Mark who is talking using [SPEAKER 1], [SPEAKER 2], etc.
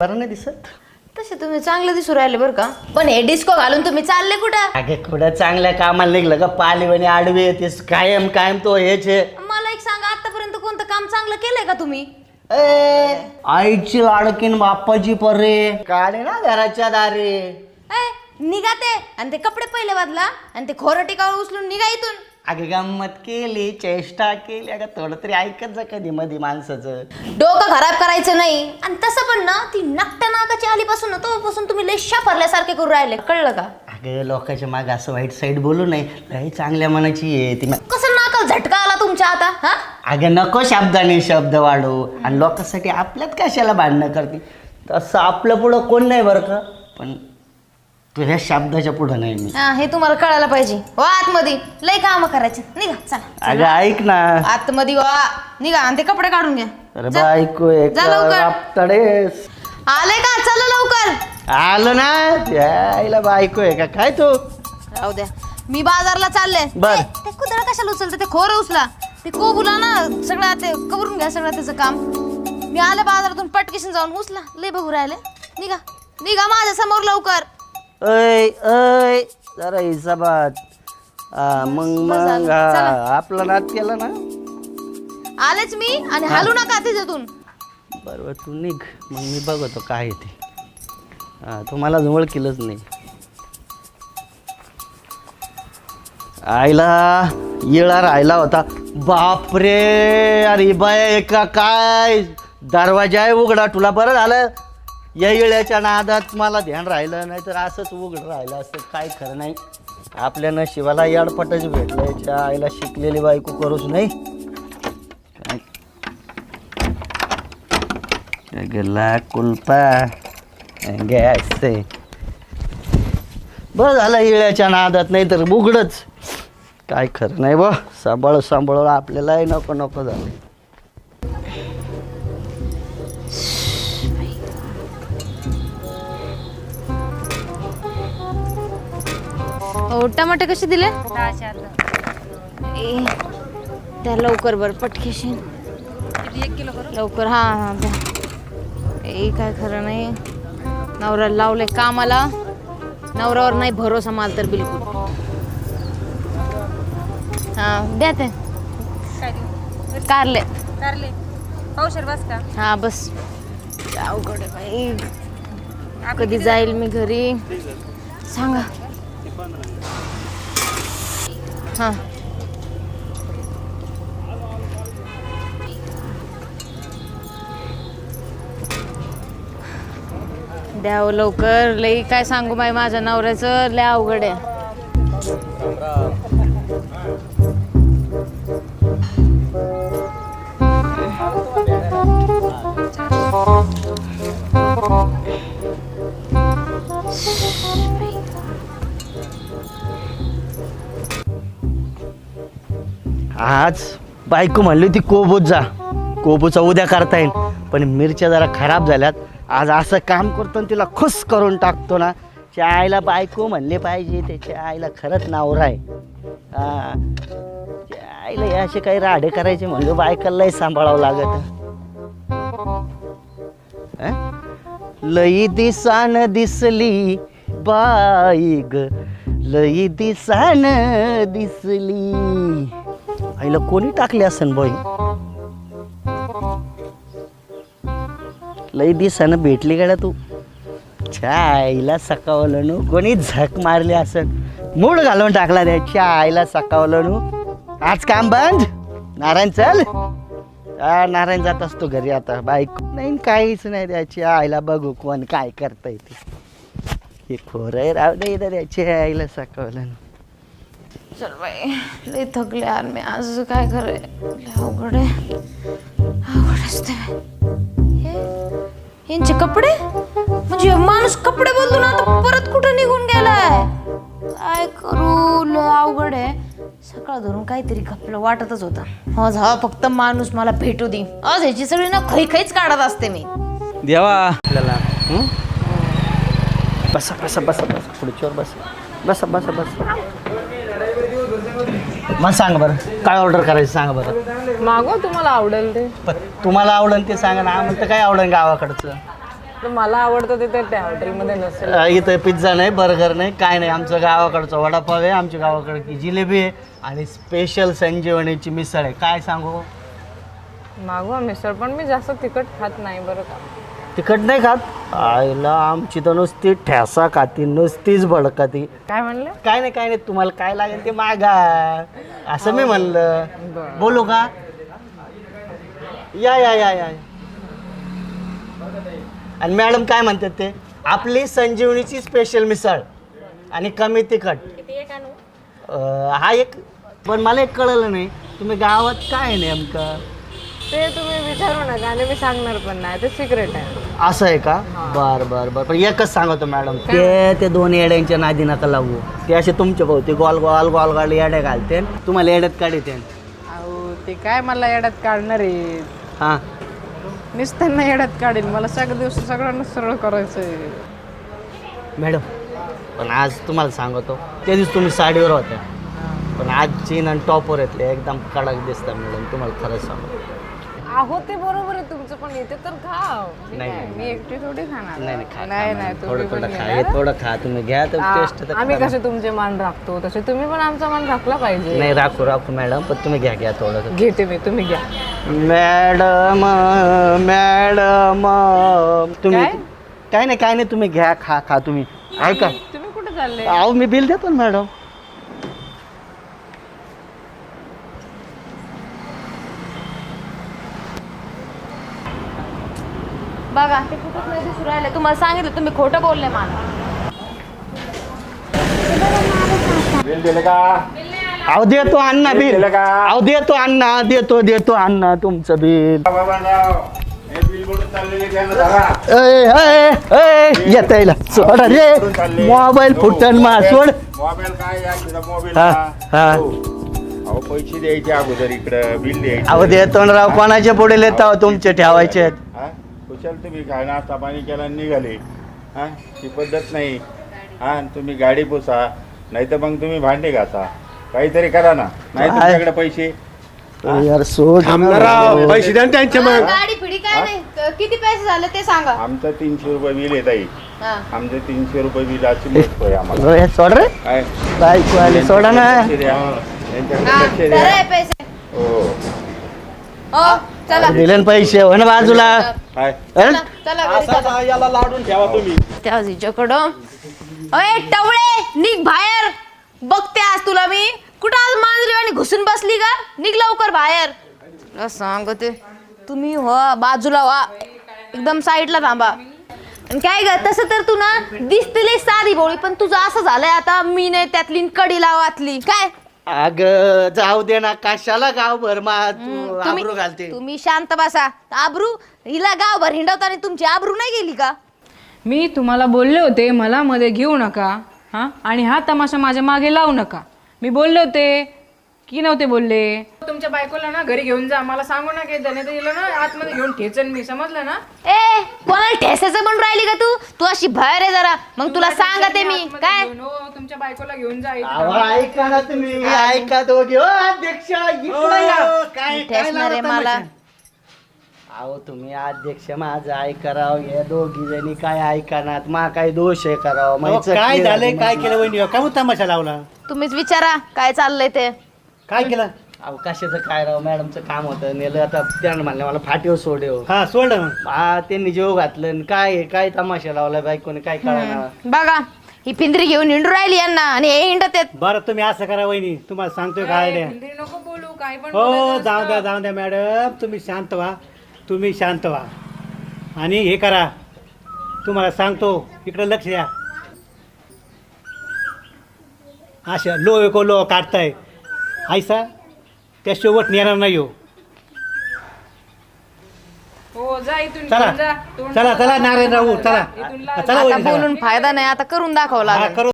[SPEAKER 1] बरं नाही दिसत?
[SPEAKER 2] तसे तुम्ही चांगले दिसू राहिले बरं का, पण हे डिस्को घालून तुम्ही चालले कुठं?
[SPEAKER 1] अगे कुठं चांगल्या कामाला निघलं का पालीवाणी आडवे येतेस कायम कायम तो हेच आहे.
[SPEAKER 2] मला एक सांगा, आतापर्यंत कोणतं काम चांगलं केलंय का तुम्ही?
[SPEAKER 1] आईची लाडकीन बाप्पाची पर्रे काढे ना घराच्या दारे.
[SPEAKER 2] निघा ते, आणि ते कपडे पहिले बदला, आणि ते खोरं टिकावर उचलून निघा इथून.
[SPEAKER 1] अगे गंमत केली चेष्टा केली, अगं थोडं तरी ऐकत जा कधी मध्ये माणसाचं.
[SPEAKER 2] डोकं खराब करायचं नाही. आणि तसं पण ना, ती नकट्या नाकाची आलीपासून ना तोपासून तुम्ही लय शाफरल्यासारखे करू राहिले, कळलं का?
[SPEAKER 1] अगं लोकांच्या मागे असं वाईट साईड बोलू नये, लई चांगल्या मनाची आहे ती.
[SPEAKER 2] कसं नाकाला झटका आला तुमच्या आता? हा
[SPEAKER 1] अगं नको शब्दाने शब्द वाढू, आणि लोकांसाठी आपल्यात कशाला भांडणं करते. तसं आपलं पुढं कोण नाही बरं का, पण तुझ्या शब्दाच्या पुढं नाही मी.
[SPEAKER 2] हे तुम्हाला कळायला पाहिजे. वा आतमध्ये लय काम करायचे, निघा चला.
[SPEAKER 1] अगं ऐक ना,
[SPEAKER 2] आतमध्ये वा निघा, आणि ते कपडे काढून घ्या.
[SPEAKER 1] अरे बायको एक
[SPEAKER 2] जा लवकर.
[SPEAKER 1] आपतडेस
[SPEAKER 2] आले का? चला लवकर.
[SPEAKER 1] आलं ना, त्याला बायको आहे का काय तू?
[SPEAKER 2] राहू द्या, मी बाजारला चालले.
[SPEAKER 1] बर.
[SPEAKER 2] ते कुदळ कशाला उचलते? ते खोरं उचला, ते कोबुला ना सगळं ते कवरून घ्या सगळं त्याचं काम. मी आले बाजारातून, पटकेशन जाऊन उचला. लय बघू राहिले. निघा निघा माझ्या समोर लवकर.
[SPEAKER 1] ऐ ऐ जरा हिसाबात. मग आपला नाद केला ना.
[SPEAKER 2] आलेच मी, आणि हालू नका तिथून.
[SPEAKER 1] बरोबर तू निघ, मग मी बघतो काय ते. तुम्हाला जवळ केलंच नाही. आईला येळा राहिला होता. बापरे, अरे बाय का काय दरवाजा आहे उघडा. तुला बरं झालं या येळ्याच्या नादात मला ध्यान राहिलं, नाही तर असंच उघडं राहिलं असतं. काय खरं नाही, आपल्या नशिबाला याडपटच भेटलं. याच्या आईला शिकलेली बायको करूच नाही. गेला कुलपा गॅस ते बरं झालं येळ्याच्या नादात, नाही तर उघडच. काय खरं नाही बा, सांभाळ सांभाळ आपल्यालाही नको नको झालं.
[SPEAKER 2] टमाटे कसे दिले? त्या लवकर बर पटकेशी 1 किलो लवकर. हा द्या. काय खरं नाही, नवऱ्याला लावले कामाला, नवऱ्यावर नाही भरोसा माल तर बिलकुल. द्या ते कारले.
[SPEAKER 3] पावशेर बस का?
[SPEAKER 2] हा बस. अवघड आहे बाई, कधी जाईल मी घरी सांगा. हा द्यावं लवकर. लई काय सांगू बाई, माझ्या नवऱ्याचं लय अवघड आहे.
[SPEAKER 1] आज बायको म्हणली होती कोबूत जा, कोबूचा उद्या करता येईल, पण मिरच्या जरा खराब झाल्यात. आज असं काम करतो आणि तिला खुश करून टाकतो ना. त्या आईला बायको म्हणले पाहिजे, त्याच्या आईला खरंच नावरा आहे. त्या आईला हे असे काही राडे करायचे म्हणजे बायकालाही सांभाळावं लागत. लई दिसान दिसली बाई ग, लई दिसान दिसली. आईला कोणी टाकले असन बाई, लई दिसानं भेटली गाड्या तू. छा आईला सकावलं नू, कोणी झक मारली असन, मूड घालून टाकला त्याच्या आईला सकावलं नू. आज काम बंद, नारायण चल. नारायण जात असतो घरी आता, बाईक नाही काहीच नाही. त्याच्या आईला बघू कोण काय करता येते. हे खोर आहे राव दे त्याच्या आईला सकावलं.
[SPEAKER 2] चल बाई, लय थकले यार मी आज. काय खरंय, अवघड आहे, अवघड असते. यांचे कपडे म्हणजे माणूस कपडे बदलून आता परत कुठं निघून गेलाय. काय करू, लय अवघड आहे. सकाळ धरून काहीतरी खपलं वाटतच होतं. आज हा फक्त माणूस मला भेटू दे. आज ह्याची सगळी ना खैच काढत असते मी.
[SPEAKER 1] देवा आपल्याला. बसा बसा बसा बसा खुर्चीवर बसा बसा बसा बसा. मग सांग बरं काय ऑर्डर करायचं सांगा बरं.
[SPEAKER 3] मागव तुम्हाला आवडेल ते.
[SPEAKER 1] पण तुम्हाला आवडेल ते सांगा ना, आम्हाला तर काय आवडेल गावाकडचं.
[SPEAKER 4] तर मला आवडतं ते त्या हॉटेलमध्ये नसेल.
[SPEAKER 1] इथं पिझ्झा नाही, बर्गर नाही, काय नाही. आमचं गावाकडचं वडापाव आहे, आमच्या गावाकडची जिलेबी आहे आणि स्पेशल संजीवनीची मिसळ आहे. काय सांगू?
[SPEAKER 4] मागवा मिसळ, पण मी जास्त तिखट खात नाही बरं का.
[SPEAKER 1] तिखट नाही खात? आईला आमची तर नुसती ठेसा खाती, नुसतीच भडकाती.
[SPEAKER 4] काय म्हणले?
[SPEAKER 1] काय नाही काय नाही, तुम्हाला काय लागेल ते मागा, असं मी म्हणलं. बोलू का? या या या या. आणि मॅडम काय म्हणतात ते? आपली संजीवनीची स्पेशल मिसळ आणि कमी तिखट. हा एक. पण मला एक कळलं नाही, तुम्ही गावात काय आहे नेमकं?
[SPEAKER 4] ते तुम्ही विचारू नका आणि मी सांगणार पण नाही, ते सिक्रेट आहे.
[SPEAKER 1] असं आहे का? बर बर बर. पण एकच सांगतो मॅडम, ते दोन येड्यांच्या नादी नका लागू. ते असे तुमच्या भोवती गोल गोल गोल गोल येड्या घालते, तुम्हाला येड्यात काढते.
[SPEAKER 4] अहो ते काय मला येड्यात काढणार आहे?
[SPEAKER 1] हां
[SPEAKER 4] नुसत्यांना येड्यात काढेल, मला सगळ्या दिवशी सगळ्यांना सरळ करायचं आहे.
[SPEAKER 1] मॅडम, पण आज तुम्हाला सांगतो, त्या दिवशी तुम्ही साडीवर होत्या, पण आज चीन आणि टॉपवर येतले एकदम कडक दिसतात मॅडम. तुम्हाला खरंच सांगतो.
[SPEAKER 4] अहो ते बरोबर आहे तुमचं, पण इथे तर खा.
[SPEAKER 1] नाही,
[SPEAKER 4] मी एकटी थोडी खाणार.
[SPEAKER 1] नाही खा,
[SPEAKER 4] नाही नाही
[SPEAKER 1] थोडं
[SPEAKER 4] तुम्ही
[SPEAKER 1] थोडं
[SPEAKER 4] पण
[SPEAKER 1] खा,
[SPEAKER 4] घ्या.
[SPEAKER 1] हे थोडं खा, तुम्ही घ्या तर टेस्ट तर
[SPEAKER 4] आम्ही
[SPEAKER 1] करा.
[SPEAKER 4] कसे तुमचे मान राखतो तसे तुम्ही पण आमचा मान राखला पाहिजे.
[SPEAKER 1] नाही राखू मॅडम, पण तुम्ही घ्या थोडं.
[SPEAKER 4] घेते मी, तुम्ही घ्या.
[SPEAKER 1] मॅडम मॅडम तुम्ही
[SPEAKER 4] काय?
[SPEAKER 1] काय नाही तुम्ही घ्या, खा तुम्ही. ऐका,
[SPEAKER 4] तुम्ही कुठे चालले?
[SPEAKER 1] अहो मी बिल देतो ना मॅडम.
[SPEAKER 2] बघा ते कुठंच नाही दिसू राहिले. तुम्हाला सांगितलं, तुम्ही खोटं बोलले मला.
[SPEAKER 1] अहो देतो अण्णा बिल. अहो देतो अण्णा, देतो अण्णा तुमचं बिल. येत सोडा रे, मोबाईल फुटन मा सोड.
[SPEAKER 5] मोबाईल काय या तुझा मोबाईल
[SPEAKER 1] हा, हा.
[SPEAKER 5] अहो पैसे द्यायचे अगोदर, इकडं बिल द्यायचं.
[SPEAKER 1] अहो देतो ना राव, कोणाच्या पुढे लेता तुमचे ठेवायचे आहेत.
[SPEAKER 5] हा कुशल तुम्ही काय नाश्ता पाणी केला आणि निघाले. हा ही पद्धत नाही. हा तुम्ही गाडी पुसा, नाही तर मग तुम्ही भांडे घासा, काहीतरी करा ना. नाही
[SPEAKER 1] काय?
[SPEAKER 5] तुमच्याकडे पैसे
[SPEAKER 1] यार सोड
[SPEAKER 5] पैसे द्या त्यांचे
[SPEAKER 2] गाडी पिढी काय नाही. किती पैसे झाले ते सांगा.
[SPEAKER 5] आमचं 300 रुपये बिल येत आहे.
[SPEAKER 2] हा.
[SPEAKER 5] आमचं 300 रुपये बिलाची मस्त आहे आम्हाला.
[SPEAKER 1] हे सोड रे,
[SPEAKER 5] काय
[SPEAKER 1] बायको आली, सोडा ना.
[SPEAKER 5] लक्ष द्या. त्यांच्याकडे
[SPEAKER 2] हा,
[SPEAKER 5] लक्ष
[SPEAKER 2] तर
[SPEAKER 5] द्या.
[SPEAKER 2] आहे पैसे.
[SPEAKER 5] हो
[SPEAKER 2] हो चला
[SPEAKER 1] दिले ना पैसे, हो ना बाजूला.
[SPEAKER 5] काय
[SPEAKER 2] चला, चला घरी चला.
[SPEAKER 5] याला लाडून ठेवा तुम्ही.
[SPEAKER 2] त्या हिच्याकडं. अय टवळे, निघ बाहेर. बघते आज तुला मी. कुठं आज मांजरी आणि घुसून बसली का? निघ लवकर बाहेर. तुला सांगते, तुम्ही हो बाजूला व्हा, एकदम साईडला थांबा. आणि काय ग, तसं तर तू ना दिसते साधी भोळी, पण तुझं असं झालंय आता, मी नाही त्यातली कडी लावातली काय.
[SPEAKER 1] अग जाऊ दे ना, कशाला गावभर मा तू आबरू घालते.
[SPEAKER 2] तुम्ही शांत बसा. आबरू हिला गावभर हिंडवताना तुमची आबरू नाही गेली का?
[SPEAKER 4] मी तुम्हाला बोलले होते मला मध्ये घेऊ नका, हा, आणि हा तमाशा माझ्या मागे लावू नका. मी बोलले होते की नव्हते बोलले? तुमच्या बायकोला ना घरी घेऊन जा, मला सांगू ना काही नाही तर हिला ना आतमध्ये घेऊन ठेचन मी, समजलं ना?
[SPEAKER 2] ए कोणाला ठेसायचं म्हणून राहिली का तू? तू अशी बाहेर आहे जरा, मग तुला सांगते मी
[SPEAKER 4] आतमध्ये
[SPEAKER 2] काय.
[SPEAKER 4] घेऊन, हो, तुमच्या बायकोला घेऊन जा इथं.
[SPEAKER 1] अहो, ऐका ना तुम्ही, ऐका दोघे. ओ अध्यक्ष इकडं या. काय
[SPEAKER 2] ठेसणार आहे मला.
[SPEAKER 1] अहो तुम्ही अध्यक्ष माझं ऐका राव, हे दोघी जणी काय ऐकणार, मा काय दोष आहे करावं.
[SPEAKER 6] काय झालंय, काय केलं वहिनी, काय तमाशा लावला,
[SPEAKER 2] तुम्हीच विचारा काय चाललंय ते.
[SPEAKER 6] काय केलं?
[SPEAKER 1] अहो कशाचं काय राव, मॅडमचं काम होतं, नेलं आता त्यानं म्हणलं मला फाटीव सोडेव.
[SPEAKER 6] हा सोडलं मग.
[SPEAKER 1] हा त्यांनी जेव घातलं आणि काय तमाशा लावला बायकोने, काय कळणार.
[SPEAKER 2] बघा ही पिंजरी घेऊन हिंडू राहिली यांना, आणि हे हिंडत आहेत.
[SPEAKER 6] बरं तुम्ही असं करा वहिनी, तुम्हाला सांगतोय काय द्या.
[SPEAKER 4] हिंदी नको बोलू, काय पण
[SPEAKER 6] हो
[SPEAKER 4] बोलायचं
[SPEAKER 6] जाऊ द्या मॅडम, तुम्ही शांत व्हा, तुम्ही शांत व्हा आणि हे करा. तुम्हाला सांगतो, इकडं लक्ष द्या. अशा लो काढताय ऐसा, त्या शेवट नेणार नाही हो.
[SPEAKER 4] हो जा इथून
[SPEAKER 6] चला
[SPEAKER 4] घेऊन जा. तोंड
[SPEAKER 6] चला चला नारायण राहू, चला
[SPEAKER 4] इथून लाव.
[SPEAKER 6] चला
[SPEAKER 2] आता
[SPEAKER 6] वहिनी, चला.
[SPEAKER 2] बोलून फायदा नाही, आता करून दाखवला
[SPEAKER 6] हा, करू